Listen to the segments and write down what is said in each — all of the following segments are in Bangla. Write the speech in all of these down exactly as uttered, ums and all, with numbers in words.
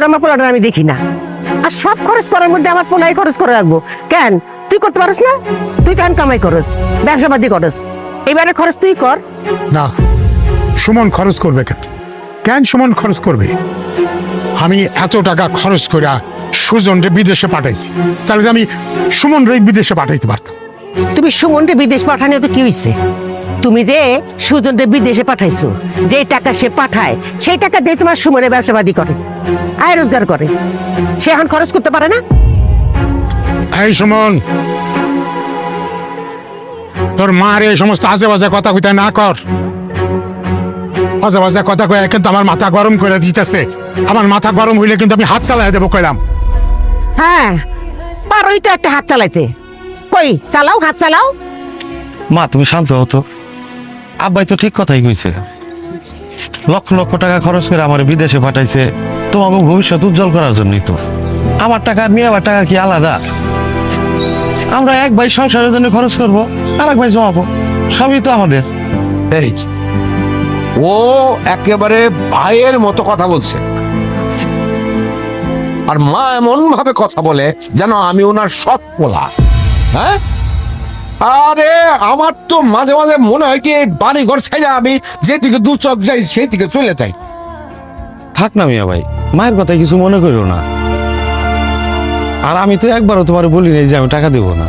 করে আমার পোলাটা আমি দেখি না। আর সব খরচ করার মধ্যে আমার পোলাই খরচ করে রাখবো কেন? তুই করতে পারিস না? তুই কেন কামাই করস, ব্যবসা বাদি করস, এবারে খরচ তুই কর। না, সুমন খরচ করবে কেন? কেন সুমন খরচ করবে? আমি এত টাকা খরচ করে সুজনরে বিদেশে পাঠাইছি, তাহলে আমি সুমন রে বিদেশে পাঠাইতে পারতাম। তুমি সুমনকে বিদেশ পাঠানো তো কি হয়েছে? তুমি যে সুজনকে বিদেশে পাঠাইছো, যে টাকা সে পাঠায় সেই টাকা দিয়ে তোমার সুমনে ব্যবসাবাদী করে, আয় রোজগার করে, সে এখন খরচ করতে পারে না? এই সুমন, তোর মার এই সমস্ত আজে বাজে কথা কইতে না কর। আজে বাজে কথা কয়ে কিন্তু আমার মাথা গরম করে দিতেছে। আমার মাথা গরম হইলে কিন্তু আমি হাত চালাই দেবো কইলাম। হ্যাঁ, পারোই তো একটা হাত চালাইতে, কই চালাও, হাত চালাও। মা তুমি শান্ত হতো, আব্বাই তো ঠিক কথাই কইছে। লক্ষ লক্ষ টাকা খরচ করে আমার বিদেশে পাঠাইছে তোমাকে ভবিষ্যৎ উজ্জ্বল করার জন্যই তো। আমার টাকা আর মেয়ে আমার টাকা কি আলাদা? আমরা এক ভাই সংসারের জন্য খরচ করবো, আর এক ভাই জমাবো, সবই তো আমাদের। এই ও একেবারে ভাইয়ের মতো কথা বলছে, আর মা এমন ভাবে কথা বলে যেন আমি ওনার সৎ পোলা। হ্যাঁ, আরে আমার তো মাঝে মাঝে মনে হয় কি বাড়ি ঘর ছেড়ে আমি যেদিকে দু চোখ যাই সেই দিকে চলে যাই। থাক না মিয়া ভাই, মায়ের কথা কিছু মনে করো না। আর আমি তো একবারও তোমার বলি নাই যে আমি টাকা দেবো না।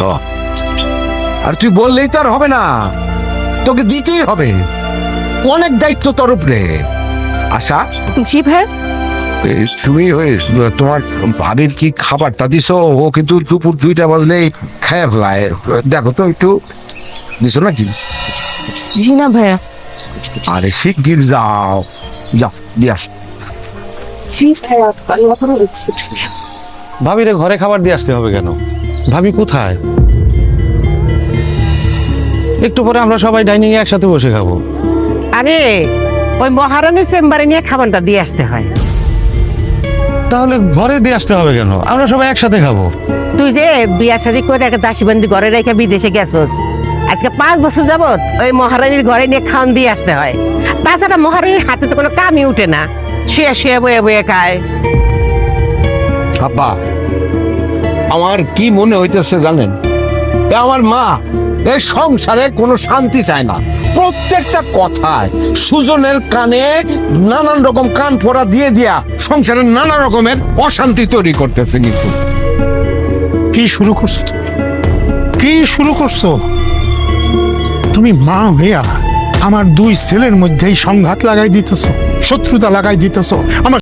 আর তুই বললেই তো আর হবে না, তোকে দিতেই হবে, অনেক দায়িত্ব তোর উপরে। আশা, জি ভাই। এই তুমি ওই তোমার ভাবির কি খাবারটা দিছো? ও কিন্তু দুপুর দুইটা বাজলেই খায় ফেলায়, দেখো তো একটু দিছো নাকি? জি না ভাইয়া। আরে শিগগির যাও, যাও দিয়ে আস। জি ভাইয়া, আমি এখনো দিচ্ছি। ভাবিরে ঘরে খাবার দিয়ে আসতে হবে কেন? ভাবি কোথায়? একটু পরে আমরা সবাই ডাইনিং এ একসাথে বসে খাবো। আরে ওই মহারানীর চেম্বারে নিয়ে খাবারটা দিয়ে আসতে হয়। তাহলে ঘরে দিয়ে আসতে হবে কেন? আমরা সবাই একসাথে খাবো। তুই যে বিয়া শাদী করে একটা দাসীবন্দি ঘরে রেখে বিদেশে গেছস, আজকে পাঁচ বছর যাবত ওই মহারানীর ঘরে নিয়ে খাওয়ান দিয়ে আসতে হয়। তাছাড়া মহারানীর হাতে তো কোনো কামই উঠে না, শুয়ে শুয়ে বয়ে বয়ে খায়। আব্বা, আমার কি মনে হইতেছে জানেন, এ আমার মা এই সংসারে কোনো শান্তি চায় না। প্রত্যেকটা কথায় সুজনের কানে নানান রকম কান ফোড়া দিয়ে দিয়া সংসারে নানা রকমের অশান্তি তৈরি করতেছে। কিন্তু কি শুরু করছো তুমি? কি শুরু করছো তুমি? মা হইয়া আমার দুই ছেলের মধ্যেই সংঘাত লাগাই দিতেছো, শত্রুতা লাগাই দিতেছো। আমার